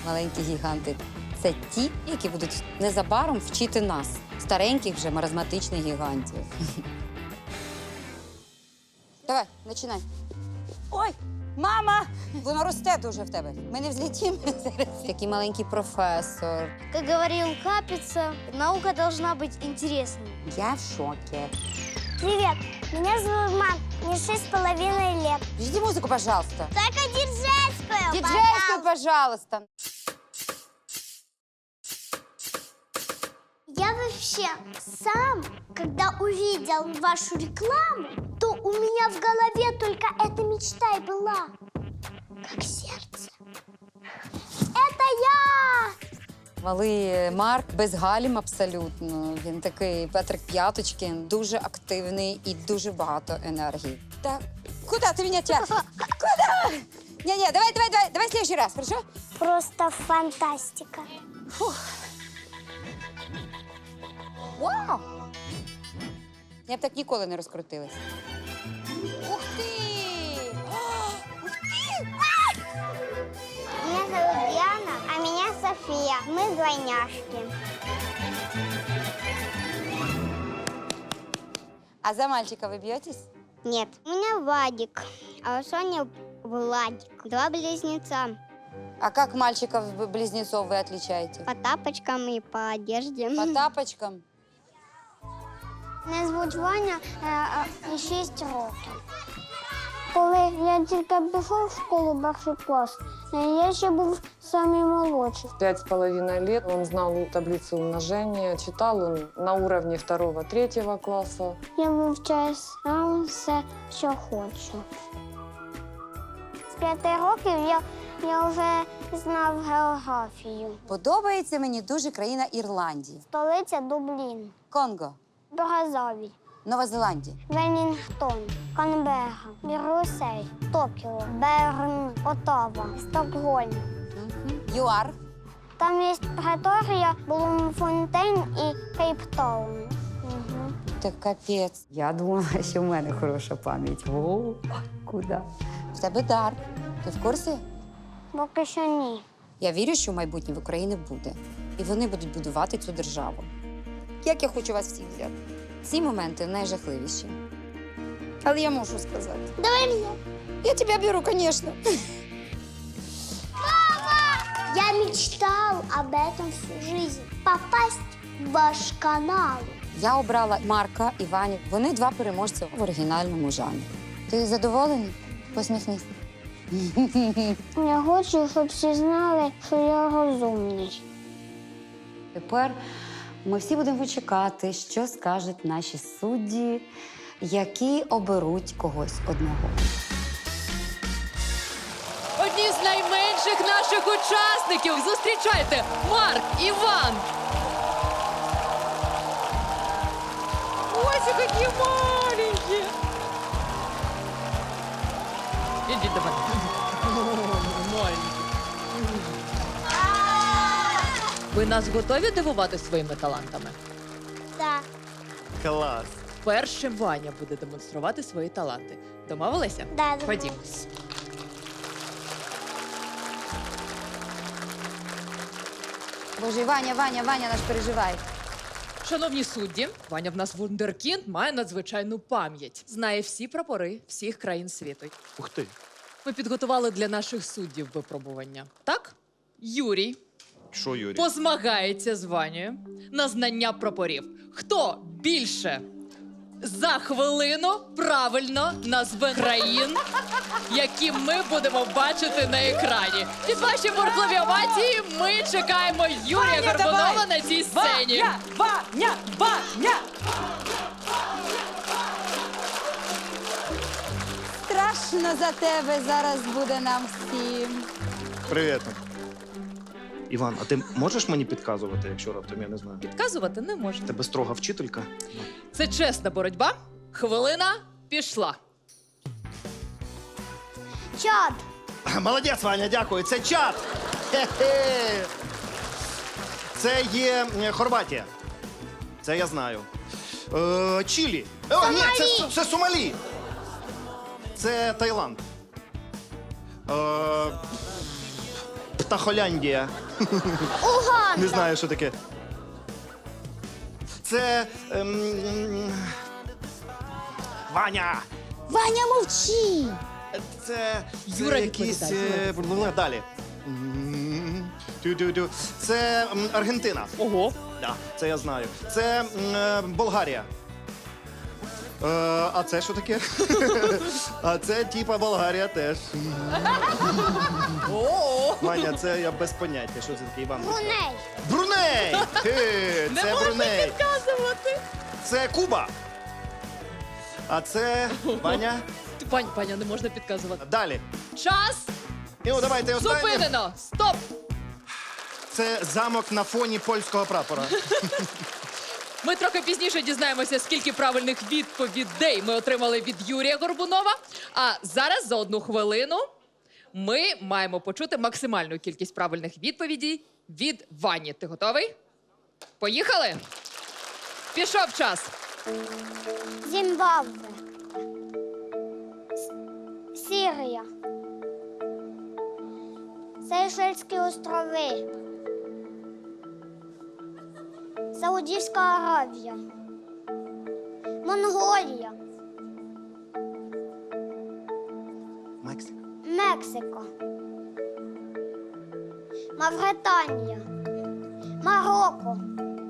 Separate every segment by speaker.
Speaker 1: Маленькі гіганти – це ті, які будуть незабаром вчити нас, стареньких вже маразматичних гігантів. Давай, починай. Ой, мама! Воно росте дуже в тебе. Ми не взлетімо зараз. Який маленький професор.
Speaker 2: Как говорил Капица, наука должна быть интересной.
Speaker 1: Я в шокі.
Speaker 2: Привет, меня зовут Мак, мне 6,5 лет.
Speaker 1: Жди музику, пожалуйста.
Speaker 2: Только диджейскую,
Speaker 1: Диджейскую, пожалуйста.
Speaker 2: Я вообще сам, когда увидел вашу рекламу, то у меня в голове только эта мечта и была. Как сердце. Это я!
Speaker 1: Малий Марк без гальм абсолютно. Він такий Петрик П'яточкін, дуже активний і дуже багато енергії. Так, куди ти мене тягнеш? Куди? Ні, давай следующий раз, хорошо?
Speaker 2: Просто фантастика.
Speaker 1: Вау! Я б так ніколи не розкрутилась. Ух ти! Ух ти!
Speaker 2: Меня зовут Диана, а меня София. Мы двойняшки.
Speaker 1: А за мальчика вы бьетесь?
Speaker 2: Нет, у меня Вадик, а у Сони Владик. Два близнеца.
Speaker 1: А как мальчиков-близнецов вы отличаете?
Speaker 2: По тапочкам и по одежде.
Speaker 1: По тапочкам?
Speaker 2: Мене звуть Ваня, 6 років. Коли я тільки пішов в школу перший клас, я ще був самий молодший.
Speaker 3: 5,5 лет он знал таблицу умножения, читал он на уровне 2-3 класса.
Speaker 2: Я вивчаю сам все, що хочу. З 5 років я вже знав географію.
Speaker 1: Подобається мені дуже країна Ірландії.
Speaker 2: Столиця Дублін,
Speaker 1: Конго,
Speaker 2: Бразовіль,
Speaker 1: Нова Зеландія.
Speaker 2: Велінгтон, Канберра, Брюссель, Токіо, Берн, Оттава, Стокгольм.
Speaker 1: ЮАР.
Speaker 2: Там є Преторія, Блумфонтейн і Кейптаун.
Speaker 1: Та капець. Я думала, що в мене хороша пам'ять. О, куди? В тебе дар. Ти в курсі?
Speaker 2: Поки що ні.
Speaker 1: Я вірю, що в майбутнє в Україні буде. І вони будуть будувати цю державу. Як я хочу вас всіх взяти. Ці моменти найжахливіші. Але я можу сказати.
Speaker 2: Давай мене.
Speaker 1: Я тебе беру, звісно.
Speaker 2: Я мечтал об этом всю жизнь. Попасть в ваш канал.
Speaker 1: Я обрала Марка і Ваню. Вони два переможця в оригінальному жанрі. Ти задоволений? Посміхнись.
Speaker 2: Я хочу, щоб всі знали, що я розумний.
Speaker 1: Тепер ми всі будемо чекати, що скажуть наші судді, які оберуть когось одного.
Speaker 4: Одні з найменших наших учасників. Зустрічайте, Марк, Іван. Ось які маленькі. Ідіть до мене. Маленькі. Ви нас готові дивувати своїми талантами?
Speaker 2: Так.
Speaker 5: Клас.
Speaker 4: Першим Ваня буде демонструвати свої таланти. Домовилися?
Speaker 2: Да,
Speaker 4: Ходімо.
Speaker 1: Боже, Ваня наш переживає.
Speaker 4: Шановні судді, Ваня в нас вундеркінд, має надзвичайну пам'ять. Знає всі прапори всіх країн світу.
Speaker 5: Ух ти.
Speaker 4: Ми підготували для наших суддів випробування. Так? Юрій
Speaker 5: Що, Юрій?
Speaker 4: позмагається з Ванею на знання прапорів. Хто більше за хвилину правильно назве країн, які ми будемо бачити на екрані? Під ваші бурхливі овації ми чекаємо Юрія Горбунова на цій сцені.
Speaker 6: Ваня!
Speaker 1: Страшно за тебе зараз буде нам всім.
Speaker 5: Привіт. Іван, а ти можеш мені підказувати, якщо раптом я не знаю?
Speaker 4: Підказувати не можна.
Speaker 5: Тебе строга вчителька?
Speaker 4: Це чесна боротьба. Хвилина пішла.
Speaker 2: Чат.
Speaker 5: Молодець, Ваня, дякую. Це чат. Хе-хе. Це є Хорватія. Це я знаю. Чилі. О, ні, це Сомалі. Це Таїланд. Тахоляндія.
Speaker 2: Уганда.
Speaker 5: Не знаю, що таке. Це. Ваня!
Speaker 2: Ваня, мовчи.
Speaker 5: Це
Speaker 4: Юра
Speaker 5: якийсь.
Speaker 4: відповідає,
Speaker 5: Далі. Тю-тю-тю. Це Аргентина.
Speaker 4: Ого.
Speaker 5: Да, це я знаю. Це Болгарія. А це що таке? А це типа Болгарія теж. Ваня, це я без поняття. Що це таке, Іван?
Speaker 2: Бруней.
Speaker 5: Бруней!
Speaker 4: Не
Speaker 5: Це
Speaker 4: можна
Speaker 5: Бруней.
Speaker 4: підказувати.
Speaker 5: Це Куба. А це Ваня.
Speaker 4: Паня, не можна підказувати.
Speaker 5: Далі.
Speaker 4: Час
Speaker 5: І ну, давайте останнє.
Speaker 4: зупинено. Стоп.
Speaker 5: Це замок на фоні польського прапора.
Speaker 4: Ми трохи пізніше дізнаємося, скільки правильних відповідей ми отримали від Юрія Горбунова. А зараз за 1 хвилину ми маємо почути максимальну кількість правильних відповідей від Вані. Ти готовий? Поїхали? Пішов час.
Speaker 2: Зимбабве. Сирія. Сейшельські острови. Саудівська Аравія. Монголія.
Speaker 5: Мексика.
Speaker 2: Мексика. Мавританія. Марокко.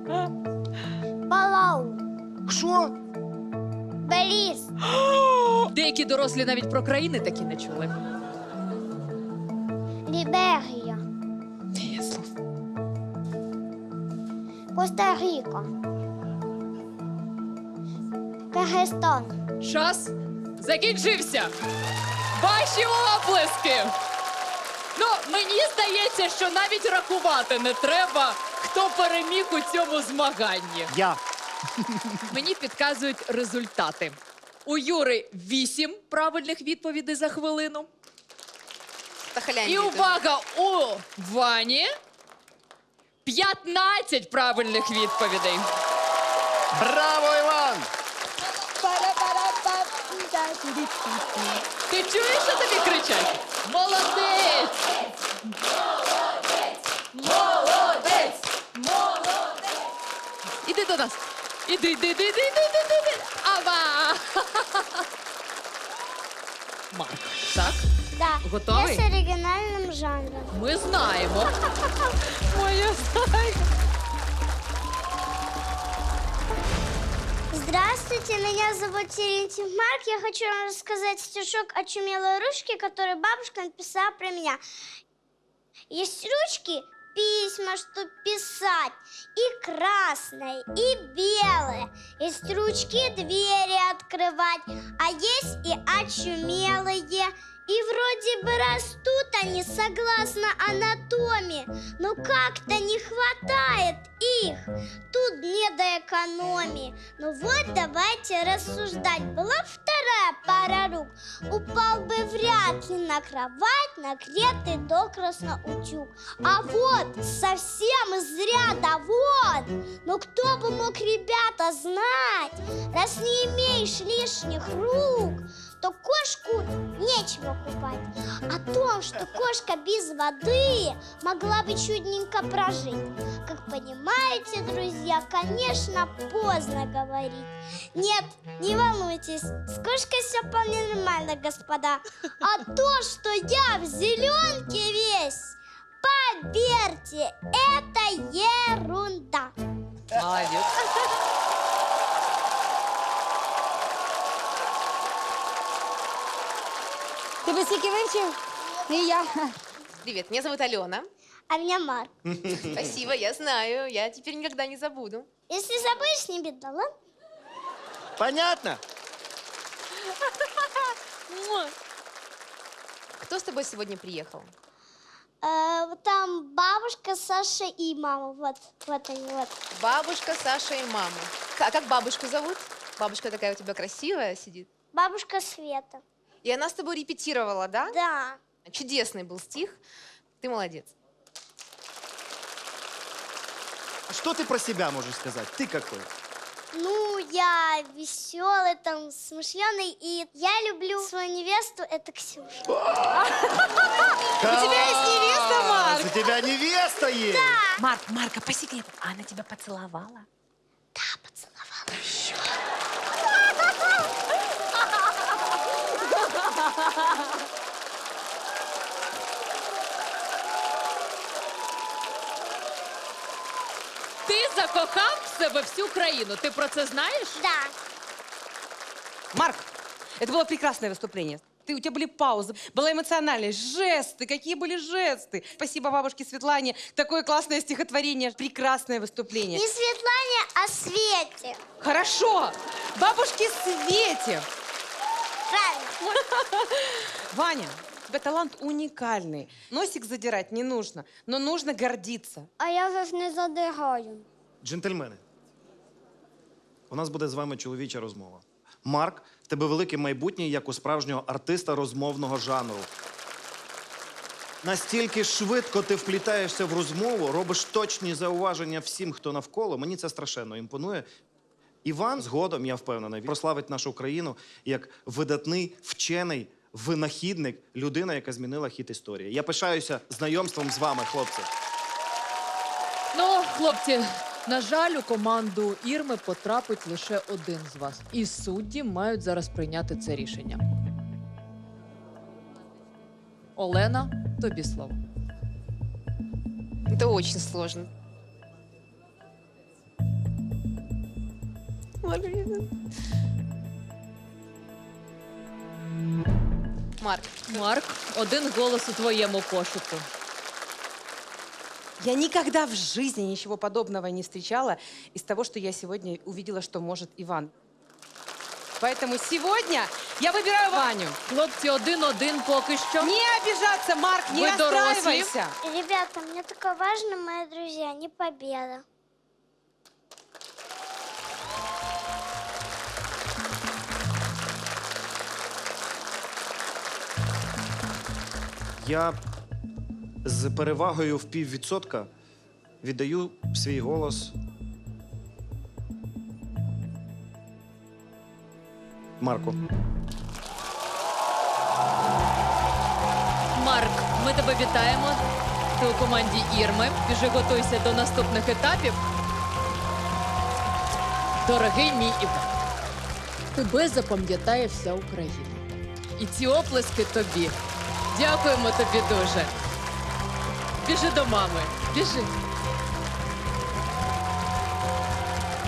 Speaker 2: Палау.
Speaker 5: Що?
Speaker 2: Беліз.
Speaker 4: Деякі дорослі навіть про країни такі не чули.
Speaker 2: Ліберія. Коста-Ріка. Киргизстан.
Speaker 4: Час закінчився. Ваші оплески. Ну, мені здається, що навіть рахувати не треба, хто переміг у цьому змаганні.
Speaker 5: Я.
Speaker 4: Мені підказують результати. У Юри 8 правильних відповідей за хвилину. І увага, у Вані 15 правильних відповідей.
Speaker 5: Браво, Іван!
Speaker 4: Ти чуєш, що тобі кричать? Молодець! Молодець! Молодець! Іди до нас. Іди. Ава! Марк, так?
Speaker 2: Да.
Speaker 4: Готовий?
Speaker 2: Я с оригинальным жанром.
Speaker 4: Ми знаємо. Моя зайка.
Speaker 2: Здравствуйте, меня зовут Терентьев Марк. Я хочу вам рассказать стишок «Очумелой ручки», который бабушка написала про меня. Есть ручки, письма, что писать, и красные, и белые. Есть ручки, двери открывать, а есть и очумелые. И вроде бы растут они согласно анатомии, но как-то не хватает их. Тут не до экономии. Ну вот давайте рассуждать. Была б вторая пара рук, упал бы вряд ли на кровать, нагретый докрасно утюг. А вот совсем из ряда вон. Но кто бы мог, ребята, знать, раз не имеешь лишних рук, то кошку нечего купать. О том, что кошка без воды могла бы чудненько прожить, как понимаете, друзья, конечно, поздно говорить. Нет, не волнуйтесь, с кошкой все вполне нормально, господа. А то, что я в зеленке весь, поверьте, это ерунда.
Speaker 4: Молодець.
Speaker 1: Ти би стільки вивчив? І я.
Speaker 7: Привет, меня зовут Алена.
Speaker 2: А меня Марк.
Speaker 7: Спасибо, я знаю. Я теперь никогда не забуду.
Speaker 2: Если забудешь, не беда, ладно?
Speaker 5: Понятно?
Speaker 7: Кто с тобой сегодня приехал?
Speaker 2: Вот там бабушка, Саша и мама. Вот они, вот.
Speaker 7: Бабушка, Саша и мама. А как бабушку зовут? Бабушка такая у тебя красивая сидит.
Speaker 2: Бабушка Света.
Speaker 7: И она с тобой репетировала, да?
Speaker 2: Да.
Speaker 7: Чудесный был стих. Ты молодец.
Speaker 5: Что ты про себя можешь сказать? Ты какой?
Speaker 2: Ну, я веселый, там, смышленый, и я люблю свою невесту, это Ксюша.
Speaker 6: У тебя есть невеста, Марк?
Speaker 5: У тебя невеста есть?
Speaker 6: Марка, по секрету, она тебя поцеловала?
Speaker 2: Да, поцеловала.
Speaker 4: Ти закохав в себе всю країну. Ти про це знаєш?
Speaker 2: Да.
Speaker 6: Марк, это было прекрасное выступление. У тебя были паузы, была эмоциональность, жесты. Какие были жесты? Спасибо бабушке Светлане. Такое классное стихотворение. Прекрасное выступление.
Speaker 2: Не Светлане, а Свете.
Speaker 6: Хорошо. Бабушке Свете.
Speaker 2: Правильно.
Speaker 6: Ваня, у тебя талант уникальный. Носик задирать не нужно, но нужно гордиться.
Speaker 2: А я же не задираю.
Speaker 5: Джентльмени, у нас буде з вами чоловіча розмова. Марк, в тебе велике майбутнє, як у справжнього артиста розмовного жанру. Настільки швидко ти вплітаєшся в розмову, робиш точні зауваження всім, хто навколо. Мені це страшенно імпонує. Іван згодом, я впевнений, прославить нашу країну як видатний, вчений, винахідник, людина, яка змінила хід історії. Я пишаюся знайомством з вами, хлопці.
Speaker 4: Ну, хлопці, на жаль, у команду Ірми потрапить лише один з вас. І судді мають зараз прийняти це рішення. Олена, тобі слово.
Speaker 7: Это очень сложно. Марк,
Speaker 4: Марк, один голос у твоєму кошику.
Speaker 6: Я никогда в жизни ничего подобного не встречала из того, что я сегодня увидела, что может Иван. Поэтому сегодня я выбираю Ваню.
Speaker 4: Хлопці, 1-1 поки що.
Speaker 6: Не обижаться, Марк, не
Speaker 4: Вы доросли.
Speaker 6: расстраивайся.
Speaker 2: Ребята, мне только важно, мои друзья, не победа.
Speaker 5: Я з перевагою в 0,5% віддаю свій голос Марку.
Speaker 4: Марк, ми тебе вітаємо. Ти у команді Ірми. Вже готуйся до наступних етапів. Дорогий мій Іван, тебе запам'ятає вся Україна. І ці оплески тобі. Дякуємо тобі дуже. Біжи до мами. Біжи.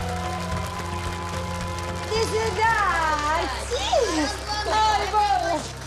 Speaker 6: Ай, бабушка.